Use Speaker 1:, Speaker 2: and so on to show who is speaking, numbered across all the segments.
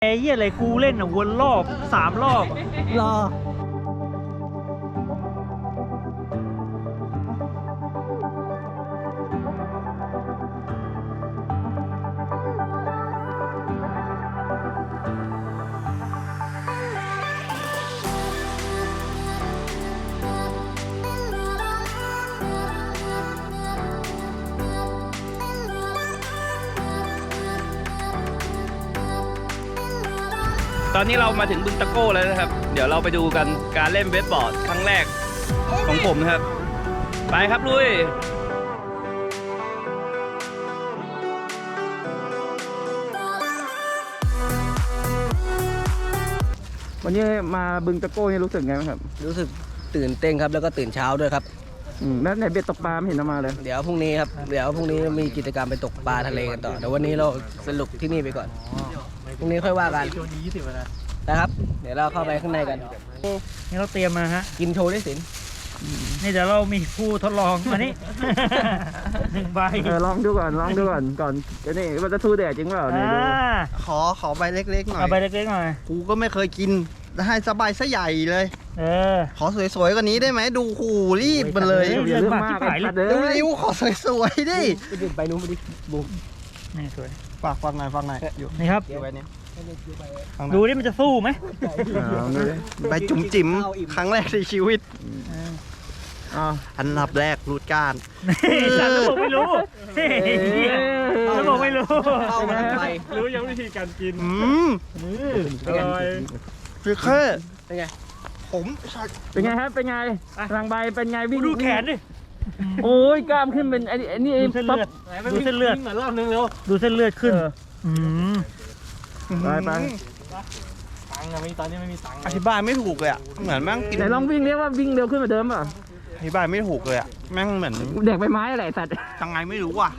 Speaker 1: ไอ้เหี้ยอะไรกูเล่นอ่ะวนรอบ3 รอบรอ
Speaker 2: ตอนนี้เรามาถึงบึงตะโก้แล้วนะครับเดี๋ยวเราไปดูกันการเล่นเวทบอร์ดครั้งแรกของผมนะครับไปครับลุยวันนี้มาบึงตะโก้นี่รู้สึกไงบ้างครับ
Speaker 3: รู้สึกตื่นเต้นครับแล้วก็ตื่นเช้าด้วยครับ
Speaker 2: แล้วไหนเบ็ดตกปลาไม่เห็นเอามาเลย
Speaker 3: เดี๋ยวพรุ่งนี้ครับเดี๋ยวพรุ่งนี้มีกิจกรรมไปตกปลาทะเลกันต่อเดี๋ยววันนี้เราสรุปที่นี่ไปก่อนพรุ่งนี้ค่อยว่ากันนะครับเดี๋ยวเราเข้าไปข้างในกัน
Speaker 1: นี่เราเตรียมมาฮะ
Speaker 3: กินโชว์ได้สิน
Speaker 1: นี่เดี๋ยวเรามีผู้ทดลองมานี่ 1 ใบ
Speaker 2: ลองดูก่อนก่อนจะนี่มันจะทูแดดจริงเปล่าเนี่ยดู
Speaker 4: ขอใบเล็กๆหน่อย
Speaker 1: เอาใบเล็กๆหน่อย
Speaker 4: กูก็ไม่เคยกินให้สบายซะใหญ่เลยขอสวยๆกว่านี้ได้ไหมดูหูรีบมันเลย
Speaker 1: เรื่องมากที่ขายเลย
Speaker 4: เร็วๆขอสวยๆดิ
Speaker 3: ไปนู้นไปดิบูม
Speaker 1: นี่สวย
Speaker 4: ฝากหน่อยอยู่
Speaker 1: นี่ครับ
Speaker 4: อยู่ใบนี้
Speaker 1: ดูนี่มันจะสู้ไหม
Speaker 4: ใบจุ๋มจิ๋มครั้งแรกในชีวิตอันดับแรกรูดก้าน
Speaker 1: ฉันจะบอกไม่รู้จะบอกไม่รู้
Speaker 3: เข้ามาไป
Speaker 1: รู้ยังวิธีการกิน
Speaker 4: อร่อยฟิเคอร์
Speaker 3: เป็นไง
Speaker 4: ผม
Speaker 2: เป็นไงครับเป็นไงรังใบเป็นไงวิ่ง
Speaker 1: ดูแขนดิ
Speaker 2: โอ้ยกล้ามขึ้นเป็นไอ้นี่
Speaker 1: ดูเส้นเลือดดูเส้นเลือด
Speaker 3: เหมือนรอบนึงเร็ว
Speaker 1: ดูเส้นเลือดขึ้น
Speaker 2: ไป
Speaker 4: ตังค์อะตอนนี้ไม่มีตังค์อธิบายไม่ถูกเลยอ่ะเหมือนแม่งกิน
Speaker 2: ไหนลองวิ่งเรียกว่าวิ่งเร็วขึ้นกว่าเดิมป่ะ
Speaker 4: อธิบายไม่ถูกเลยอ่ะแม่งเหมือน
Speaker 2: เด็กใบไม้อะไรสัตว์
Speaker 4: ยังไงไม่รู้ว่ะ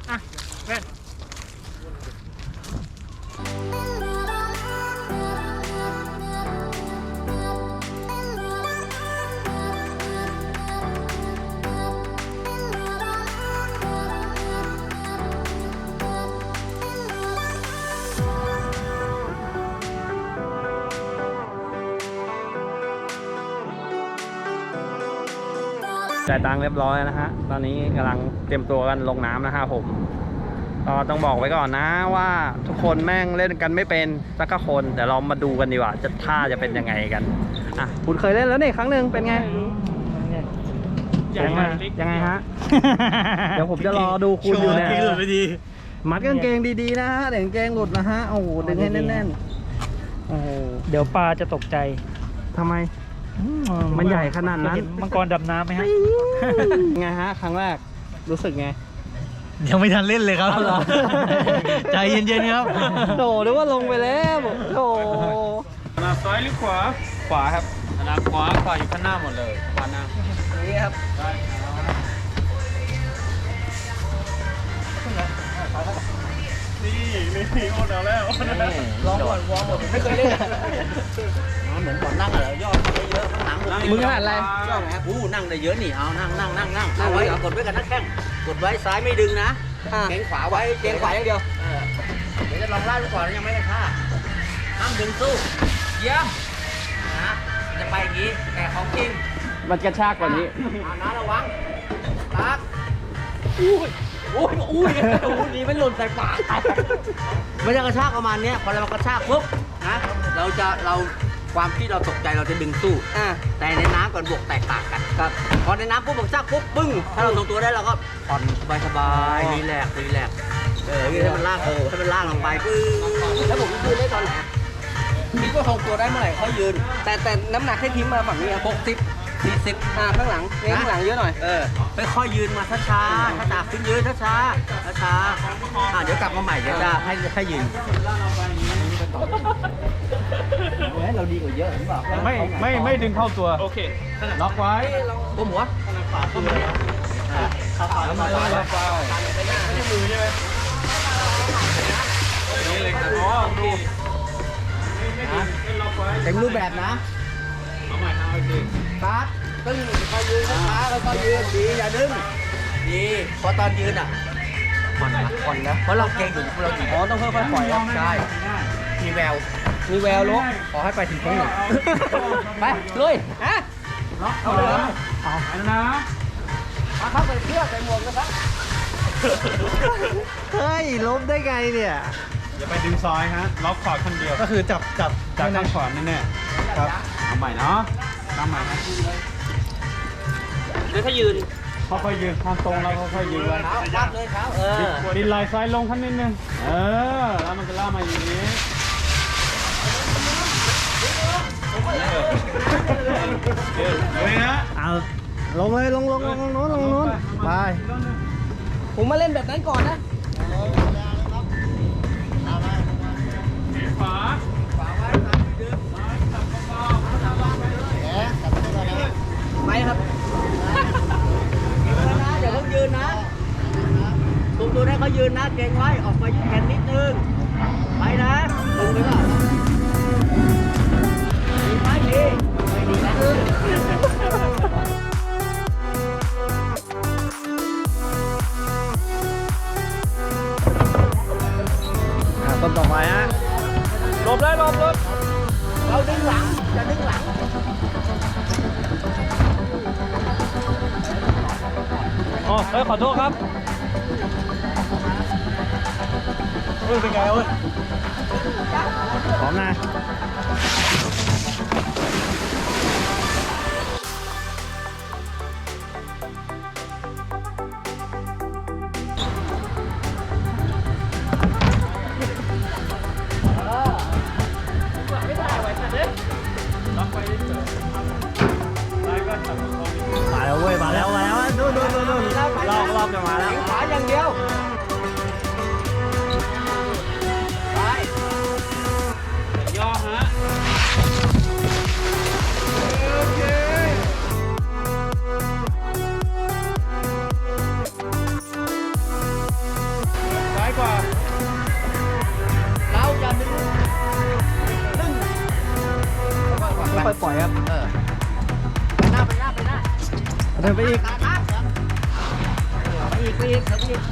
Speaker 2: จ่ายตังค์เรียบร้อยนะฮะตอนนี้กำลังเตรียมตัวกันลงน้ำนะฮะผมก็ต้องบอกไว้ก่อนนะว่าทุกคนแม่งเล่นกันไม่เป็นสักคนเดี๋ยวเรามาดูกันดีกว่าจะท่าจะเป็นยังไงกันอ่ะคุณเคยเล่นแล้วนี่ครั้งหนึ่งเป็นไงยังไงฮะ เดี๋ยวผมจะรอดูคุณอยู่เนี่ยมัดกางเกงดีๆนะฮะเดี๋ยวกางเกงหลุดนะฮะโอ้โหดึงให้แน่นๆโอ้โห
Speaker 1: เดี๋ยวปลาจะตกใจ
Speaker 2: ทำไมมันใหญ่ขนาดนั้น
Speaker 1: มังกรดำน้ำไหมฮะ
Speaker 2: ไงฮะครั้งแรกรู้สึกไง
Speaker 1: ยังไม่ทันเล่นเลยครับใจเย็นๆครับ
Speaker 2: โถหรือว่าลงไปแล้วโถ
Speaker 5: ขนาดซ้ายหรือขวา
Speaker 2: ขวาครับ
Speaker 5: ขนาดขวาอยู่ข้างหน้าหมดเลยขวาหน้า
Speaker 3: นี่ครับ
Speaker 5: นี่โอ้เอาแล้ว
Speaker 3: ลองก่อนวอร์มหมดไม่เคยเล่นเหมือนก่อนนั่งอะไรย่อได้เยอะข้างหลัง
Speaker 2: มึงขนาดอะไร
Speaker 3: ย่อไหนครับนั่งได้เยอะนี่เอานั่งเอาไว้กดไว้กันนักแข้งกดไว้ซ้ายไม่ดึงนะเกรงขวาไว้เกรงขวาอย่างเดียวเดี๋ยวจะลองไล่ไปก่อนยังไม่ได้ท่าห้ามดึงสู้เยี่ยมนะจะไปอย่างนี้แต่ของจริง
Speaker 2: มันกระชากกว่านี้
Speaker 3: นะระวังตักอุ้ยนี่ไม่หล่นใส่ปากมันจะกระชากประมาณนี้พอเรากระชากปุ๊บนะเราความที่เราตกใจเราจะดึงสู้แต่ในน้ำก่อนบวกแตกต่างกันครับพอในน้ำปุ๊บกระชากปุ๊บปึ้งถ้าเราทรงตัวได้เราก็ผ่อนสบายรีแลกซ์ให้มันลากให้มันลากลงไปปึ้งแล้วผมยืนได้ตอนไหนคิดว่าทรงตัวได้เมื่อไหร่ค่อยยืนแต่น้ำหนักให้ทิ้งมาฝั่งนี้60 40ข้างหลังเยอะหน่อยค่อยๆยืนมาช้าๆถ้าตากขึ้นยืนช้าเดี๋ยวกลับมาใหม่เดี๋ยวจะให้ยืนเราดีกว่าเยอะหรือเปล่า
Speaker 5: ไม่ดึงเข้าตัว โอเคล็อกไว้
Speaker 3: ก้มหัว
Speaker 5: แล้วมาล็อกไว้ไม่ใช่มือใช่ไหมนี่เลยครับอ๋อดู
Speaker 3: เต็มรูปแบบนะ
Speaker 5: เอาใหม่เอาอีก
Speaker 3: ครับตึ้งค่อยยืนช้าแล้วก็ยืนดีอย่าดึงดีพอตอนยืนผ่อนนะเพราะเราเก่งอยู่เราจีต้องค่อยๆปล่อยใช่มีแววลูกขอให้ไปถึงครั้งหนึ่งไปลุยฮะเอาเลยเอานะมาเข้าไปเพื่อใส่หมวกนะครับ
Speaker 4: เฮ้ยล้มได้ไงเนี่ย
Speaker 5: อย่าไปดึงซอยฮะ ล็อกขอดคนเดียว
Speaker 4: ก็คือจับ
Speaker 5: จากข้างขวาแน่ๆครับ เอาใหม่เนาะทำใหม่นะ
Speaker 3: เดี๋ยวถ้ายืน
Speaker 5: ค่อยๆยืนความตรงเราค่อยๆยืนไว้
Speaker 3: เท้าวัดเลยเท้า
Speaker 5: ดินไหลซ้ายลงขั้นนิดนึง แล้วมันจะล่ามาอย่างนี้เลยนะ
Speaker 4: เอาลงเลยลงโน้นลงโน้นไป
Speaker 3: ผมมาเล่นแบบนั้นก่อนนะ
Speaker 5: ขวา
Speaker 3: ไปครับอย่าเพิ่งยืนนะตุ้มตัวให้เขายืนนะเก่งไว้ออกไปยืนแขนนิดนึงไปนะตึงไปก่อนดีไหมดีไม่ดีนะ
Speaker 4: ต้นต่อไปฮะ
Speaker 5: หลบเลยหลบ
Speaker 3: เราดึงหลังจะดึงหลัง
Speaker 5: อ๋อขอโทษครับเป็นไงเว้ย
Speaker 4: พร้อมนะมาแล้วเว้ยมาแล้วนู่นรอบจะมาแล้ว
Speaker 3: ขวาอย่างเดียวไป
Speaker 5: ย่อฮะซ้ายกว่า
Speaker 3: เราจะดึง
Speaker 4: ค่อยปล่อยครับ
Speaker 3: ไปหน้า
Speaker 4: เดินไปอีก
Speaker 3: ไปอีก
Speaker 4: เดินไปอีก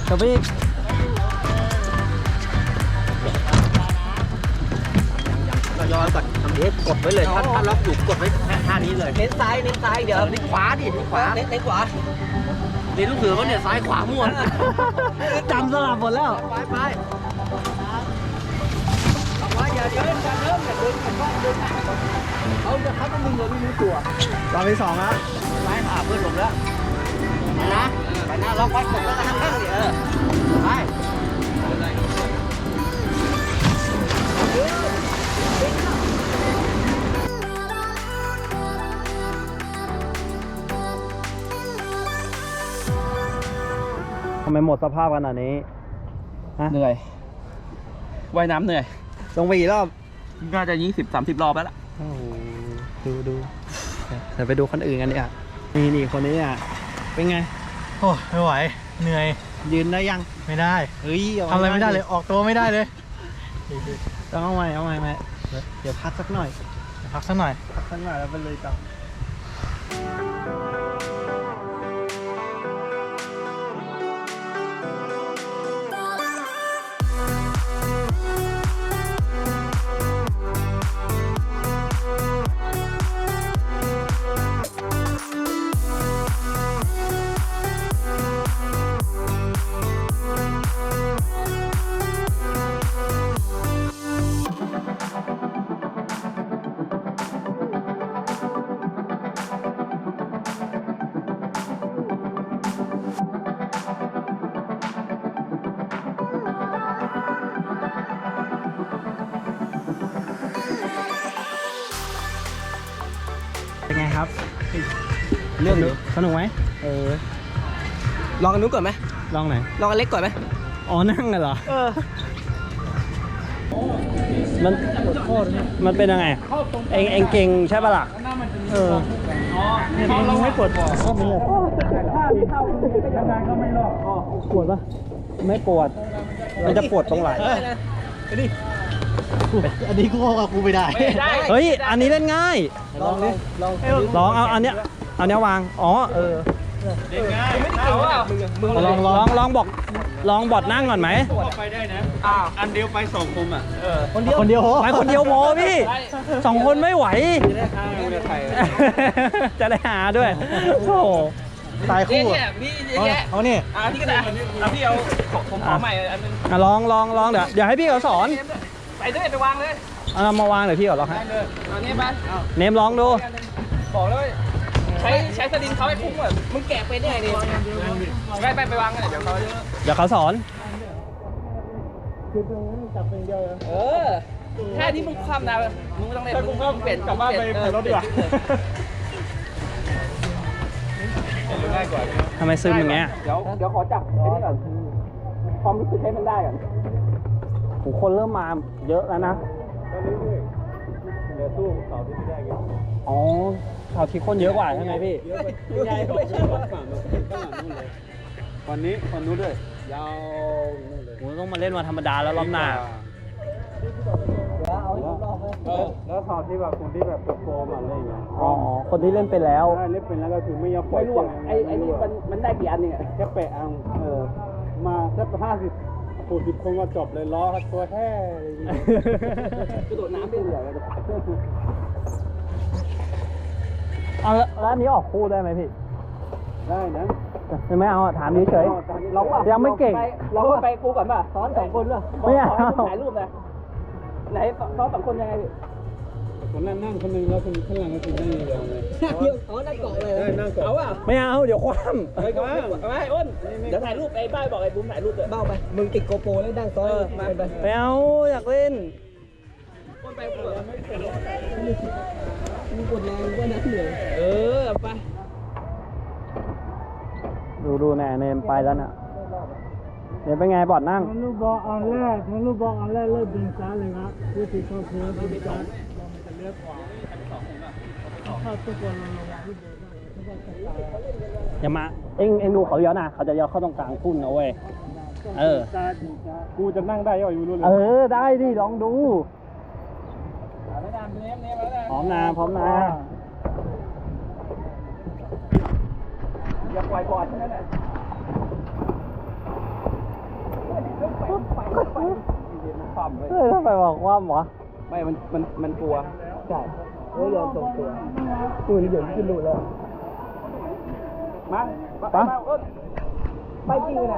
Speaker 3: เราย้อนก่อนทำเด็กกดไว้เลยถ้าล็อกอยู่กดไว้ท่านี้เลยเน้นซ้ายเดี๋ยวเน้นขวาดิเน้นขวาเน้นขวาเรียนลูกเสือว่าเนี่ยซ้ายขวามั่ว
Speaker 4: จำสลับหมดแล้ว
Speaker 3: ไปเอาไว้อย่าเดินกันว่าเดินเขาต้องดึงเลยไม่รู้ตัว
Speaker 4: รอบที่สองแล้ว
Speaker 3: ไปเพื่อนหลบแล้วไปนะล็อกไว้กดแล้วก็ข้างๆเนี่ยไป
Speaker 4: ทำไมหมดสภาพขนาดนี้
Speaker 2: เหนื่อย ว่ายน้ำเหนื่อย
Speaker 4: ลงไปกี่รอบ
Speaker 2: น่าจะ20-30 รอบแล้วล่ะ
Speaker 4: โอ้โหดูเดี๋ยวไปดูคนอื่นกันดีกว่านี่คนนี้อ่ะเป็นไง
Speaker 1: โอ้ไม่ไหว เหนื่อย
Speaker 4: ยืนได้ยัง
Speaker 1: ไม่ได้
Speaker 4: เฮ้ย
Speaker 1: ทำอะไรไม่ได้เลย ออกตัวไม่ได้เลย
Speaker 4: ต้องเอาใหม่เดี๋ยวพักสักหน่อย
Speaker 1: พักสักหน่อย
Speaker 4: แล้วไปเลยต่อเป็นไงครับ
Speaker 3: เรื่อง
Speaker 4: สนุกไหม
Speaker 3: ลองกันนู้นก่อนไหม
Speaker 4: ลองไหน
Speaker 3: ลองกันเล็กก่อนไหม
Speaker 4: อ๋อนั่งกันเหรอมันเป็นยังไงเองเก่งใช่ปะล่ะเนี่ยมันไม่ปวดข้อมือปวดปะไม่ปวดมันจะปวดตรงไหล่อันนี้กูเข้ากับกูไม่ได้เฮ้ยอันนี้เล่นง่ายลองเอาอันเนี้ยวางอ๋อ
Speaker 5: เด็กง่ายเอา
Speaker 4: ลองบอก
Speaker 2: ลองบอดนั่งก่อนไหม
Speaker 5: ไปได้นะอันเดียวไปสองคนอ่ะ
Speaker 1: คนเดียว
Speaker 2: ไปคนเดียวพอพี่2 คนไม่ไหว
Speaker 5: จะได้ข้างเรือไทย
Speaker 2: จะได้หาด้วยโอ้โหตายคู่
Speaker 3: พี่แก
Speaker 1: เอานี่
Speaker 3: พี่ก็ได้พี่เอาผมขอใหม่อันนึง
Speaker 2: ลองเดี๋ยวให้พี่เขาสอน
Speaker 3: ไปด้วยไปวางเลย
Speaker 2: เอามาวางเดี๋ยวพี่เขาลองให้
Speaker 3: เอานี่บ้าน
Speaker 2: เนมลองดู
Speaker 3: บอกเลยใช้สลิงเขาให้คุ้มอ่ะมึงแกะไปได้ไงดิไปวางกันเดี๋ยวเขา
Speaker 2: เดี๋ยวเขาสอน
Speaker 3: แค่ที่มึงคว่ำนะมึงไม่ต้องเล่นมึงเปลี่ยน
Speaker 5: กลับบ้านไปเปลี่ยนรถดีกว่า ง่ายกว่า
Speaker 2: ทำไมซึมอย่างเงี้ย
Speaker 3: เดี๋ยวขอจับไอ้นี่ก่อนความรู้สึกให้มันได้ก่อน
Speaker 2: โหคนเริ่มมาเยอะแล้วนะ
Speaker 5: เดี๋ยวสู้เสาที่แรก
Speaker 2: อ๋อข่าวที่คนเยอะกว่าใช่ไหมพี่
Speaker 5: ใหญ่กว่าฝั่งข้างหลังนู่นเลยวันนี้ฝั่งนู้นด้วยยาวนู่นเลย
Speaker 2: ผมต้องมาเล่นวันธรรมดาแล้วรอบหน้า
Speaker 5: แล้วข่าวที่แบบคนที่แบบโปรมาอะไรอย่างเงี้ย
Speaker 2: อ๋อ คนที่เล่นไปแล้ว
Speaker 5: ได้เล่นเป็นแล้วก็คือไม่ยอมปล่อย
Speaker 3: ไม่ร่วงไอ้นี่มันได้กี่อันเนี่ย
Speaker 5: แค่แปะอังมาสัก50-60 คนก็จบเลยล้อครับตัวแท้
Speaker 3: กระโดดน้ำได้เลย
Speaker 2: เอาแล้วอันนี้ออกคู่ได้ไหมพี่
Speaker 5: ได้นะ
Speaker 2: ไม่เอาอะถามเฉย
Speaker 3: เราอ่ะ
Speaker 2: ยังไม่เก่ง
Speaker 3: เราไปกูก่อนป่ะซ้อน2 คนด้วย
Speaker 2: ไม่เอา
Speaker 3: ถ่ายรูปนะไหนซ้อน2 คนยังไง
Speaker 5: คนนั้นนั่งคนนึงแล้วคนข้างหลังก็คือนั่งยาวเลย
Speaker 3: นั่งเกาะเลย
Speaker 5: ได้นั่งก่อน
Speaker 3: เอาอ่ะ
Speaker 2: ไม่เอา เดี๋ยวคว่
Speaker 3: ไปก่อนไม่อ้นเดี๋ยวถ่ายรูปไอ้บ้าบอกไอ้บุ้มถ่ายรูปเลยเบ้าไปมึงติดโกโปรแล้วดังซ้อนไป
Speaker 2: ำไม่เอา อยากเล่น
Speaker 3: อ้นไปมึงกดแรงก็นักเหนื่อยไป
Speaker 2: ดูแน่เนมไปแล้วน่ะเนมเป็นไงบอดนั่ง
Speaker 1: ลูกบอลอันแรกเริ่มดึงซ้ายเลยครับวิธีเข้าเพื่อดึงซ้ายมันจะเลี้ยวขวาเข้าทุกคนลงที่เดิน
Speaker 2: อย่ามา เอ็งดูเขาเลี้ยวนะ เขาจะเลี้ยวเข้าตรงกลางพุ่นนะเว้ย
Speaker 5: กูจะนั่งได้ยังอยู่รู้เลย
Speaker 2: ได้ดิ ลองดูพร้อมนะ
Speaker 3: อย่าปล่อยบอลนั่นแหละ
Speaker 2: ถ้าไปบอกว่าหมอ
Speaker 3: ไม่มันกลัวใช่ยอมส่งตัวปืนเหยินขึ้นดูแล้วมาไปจริงเลยนะ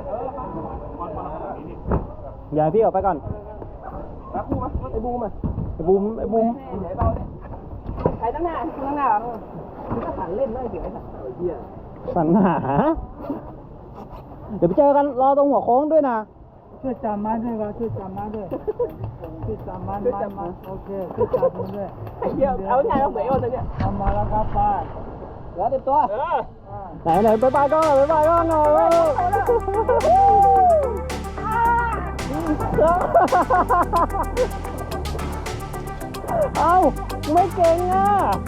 Speaker 2: อย่าให้พี่ออกไปก่อน
Speaker 3: รับกูมาไอ้บูมอ่ะ
Speaker 2: ไอ้บูม
Speaker 3: ไหนเบาเนี่ยใครตั้งหน้ามึงก็สั่นเล่นได้เดี๋ยวไอ้สัตว์เหี้ย
Speaker 2: สัญหา เดี๋ยวไปเจอกันรอตรงหัวโค้งด้วยนะ
Speaker 1: ช่วยจับมันด้วยครับช่วยจับมันด้วยช่วยจับมันโอเคช่วยจับมันด้วย
Speaker 3: ไอ้เหี้ยเอาไงเอาเหมือนเลยเนี่ย
Speaker 1: ทำมาแล้วครับป้า
Speaker 3: เหลือเต็มตัว
Speaker 2: ไหนไปไปก็หน่อยหน่อยเอ้าไม่เก่งอ่ะ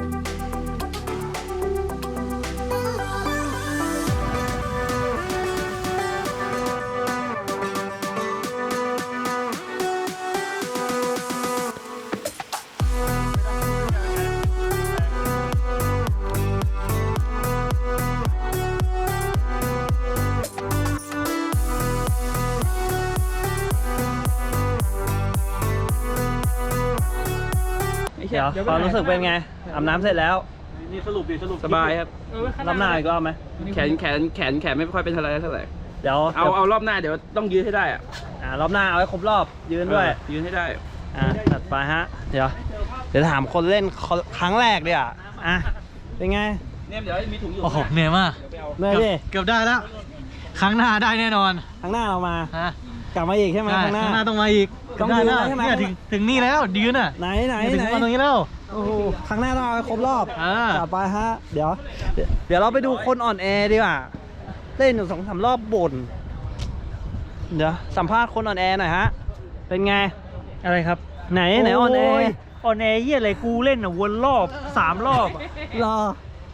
Speaker 2: เดี๋ยวความรู้สึกเป็นไงอาบน้ำเสร็จแล้ว
Speaker 5: นี่สรุป
Speaker 3: สบายครับ
Speaker 2: รอบหน้าอีกรอบไหม
Speaker 3: แขนไม่ค่อยเป็นอะไรเท่าไหร่
Speaker 2: เดี๋ยว
Speaker 3: เอารอบหน้าเดี๋ยวต้องยืดให้ได้อ่ะ
Speaker 2: รอบหน้าเอาให้ครบรอบยืนด้วย
Speaker 3: ยืนให้ได้
Speaker 2: จัดไปฮะ เดี๋ยวถามคนเล่นครั้งแรกดิเป็นไง
Speaker 3: เนี่ยเดี๋ยวมีถุงอยู่
Speaker 1: โอ้โหเหนื่อยมาก
Speaker 2: เมื่อยดิ
Speaker 1: เกือบได้แล้ว ครั้งหน้าได้แน่นอน
Speaker 2: ครั้งหน้าเรามา
Speaker 1: ฮะ
Speaker 2: กลับมาอีกใช่ไหม
Speaker 1: ได้
Speaker 2: ครั้งหน้า
Speaker 1: ข้างหน้าต้องมาอีก
Speaker 2: ต้อง
Speaker 1: ได้
Speaker 2: ยืน
Speaker 1: แล้ว
Speaker 2: ใช่ไหม
Speaker 1: เนี่ยถึงนี่แล้วยืนอ่ะ
Speaker 2: ไหน
Speaker 1: ถึงมาตรงนี้แล้ว
Speaker 2: โอ้โหครั้งหน้าต้องเอาให้ครบรอบ จัดไปฮะ เดี๋ยวเราไปดูคนอ่อนแอดีกว่าเล่นอยู่2-3 รอบบ่นเดี๋ยวสัมภาษณ์คนอ่อนแอหน่อยฮะ เป็นไง
Speaker 1: อะไรครับ
Speaker 2: ไหนอ่อนแอ
Speaker 1: อ่อนแอเยี่ยอะไรกูเล่นอ่ะวนรอบ3 รอบ
Speaker 2: รอ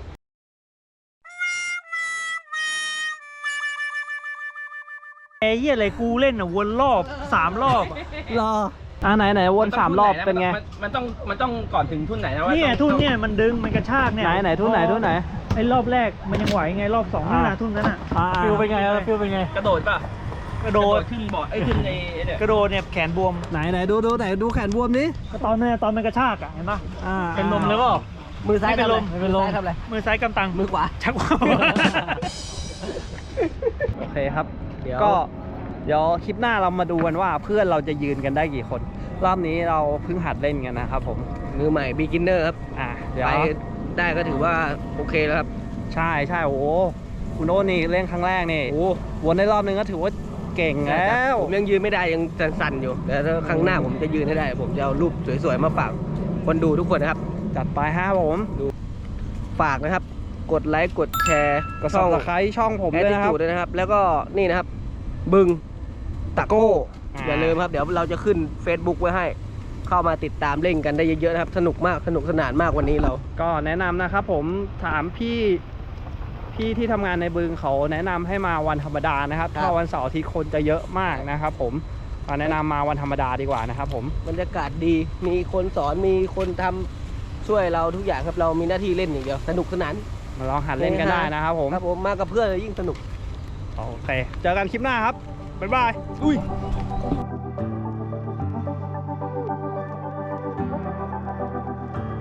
Speaker 1: เยี่ยอะไรกูเล่นอ่ะวนรอบ3 รอบ
Speaker 2: รอไหนวน3 รอบเป็นไง
Speaker 3: มันต้องก่อนถึงทุ่นไหนนะว่า
Speaker 1: เนี่ยทุ่นเนี่ยมันดึงมันกระชากเนี่ย
Speaker 2: ไหนทุ่นไหน
Speaker 1: ไอ้รอบแรกมันยังไหวไงรอบ2นั่นน่ะทุ่นนั้นน่ะ
Speaker 2: ฟิลเป็นไงฟิลเป็นไง
Speaker 3: กระโดดป่ะ
Speaker 1: กระโดด
Speaker 3: ขึ้นบ่อไอ้ขึ้นในเนี่ย
Speaker 1: กระโดดเนี่ยแขนบวม
Speaker 4: ไหนดูแขนบวมดิ
Speaker 1: ก็ตอนมันกระชากอ่ะเห็นปะ
Speaker 4: อ่า
Speaker 1: เป็นลมเลยเปล่า
Speaker 3: มือซ้าย
Speaker 1: ไม่เป็นลม
Speaker 3: ทำอะไร
Speaker 1: ไม่เป็นลม
Speaker 3: มือซ้ายทำอะไร
Speaker 1: มือซ้ายกำตัง
Speaker 3: มือขวา
Speaker 1: ชักว่าว
Speaker 2: โอเคครับ
Speaker 3: เดี๋ยว
Speaker 2: ก็เดี๋ยวคลิปหน้าเรามาดูกันว่าเพื่อนเราจะยืนกันได้กี่คน รอบนี้เราเพิ่งหัดเล่นกันนะครับผม
Speaker 3: มือใหม่ beginner ครับ
Speaker 2: เดี๋ยว
Speaker 3: ไปได้ก็ถือว่าโอเคแล้วครับ
Speaker 2: ใช่โอ้โหคุณโอ้นี่เล่นครั้งแรกนี่
Speaker 3: โอ้
Speaker 2: วนได้รอบนึงก็ถือว่าเก่งแล้ว
Speaker 3: ผมยังยืนไม่ได้ยังสั่นๆอยู่แต่ถ้าครั้งหน้าผมจะยืนให้ได้ ผมจะเอารูปสวยๆมาฝากคนดูทุกคนนะครับ
Speaker 2: จัดไปฮะผม
Speaker 3: ฝากนะครับ กดไลค์กดแชร์
Speaker 2: กด subscribe ช่องผมด้วยนะครับ
Speaker 3: ด้วยนะครับ แล้วก็นี่นะครับ บึงตะโก้
Speaker 2: อ่า
Speaker 3: อย่าลืมครับเดี๋ยวเราจะขึ้น Facebook ไว้ให้ เข้ามาติดตามเล่นกันได้เยอะๆนะครับ สนุกมากสนุกสนานมากวันนี้เรา
Speaker 2: ก็แนะนำนะครับผมถามพี่ที่ทำงานในบึงเขาแนะนำให้มาวันธรรมดานะครับ
Speaker 3: ครับ
Speaker 2: ถ้าวันเสาร์อาทิตย์คนจะเยอะมากนะครับผมแนะนำมาวันธรรมดาดีกว่านะครับผม
Speaker 3: บรรยากาศดีมีคนสอนมีคนทำช่วยเราทุกอย่างครับเรามีหน้าที่เล่นอย่างเดียวสนุกสนาน
Speaker 2: มาลองหัดเล่นกันได้นะครับผม
Speaker 3: ครับผมมากับเพื่อนเลยยิ่งสนุก
Speaker 2: โอเค เจอกันคลิปหน้าครับ บ๊ายบาย
Speaker 3: อุ้ย